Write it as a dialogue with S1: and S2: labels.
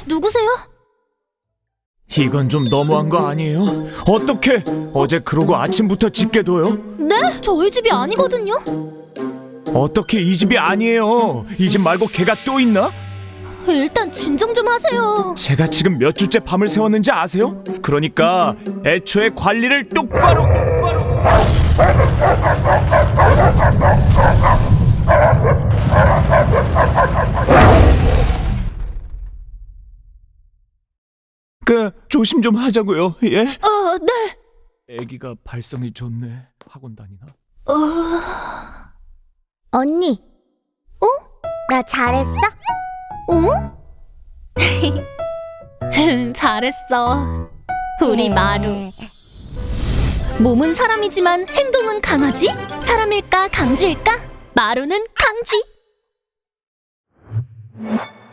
S1: 누구세요?
S2: 이건 좀 너무한 거 아니에요? 어떻게 어제 그러고 아침부터 짖게 둬요?
S1: 네? 저희 집이 아니거든요.
S2: 어떻게 이 집이 아니에요? 이 집 말고 걔가 또 있나?
S1: 일단 진정 좀 하세요.
S2: 제가 지금 몇 주째 밤을 새웠는지 아세요? 그러니까 애초에 관리를 똑바로. 조심 좀 하자고요. 예?
S1: 네.
S2: 애기가 발성이 좋네. 학원 다니나?
S3: 언니, 나 잘했어?
S1: 잘했어. 우리 마루. 몸은 사람이지만 행동은 강아지? 사람일까 강쥐일까? 마루는 강쥐.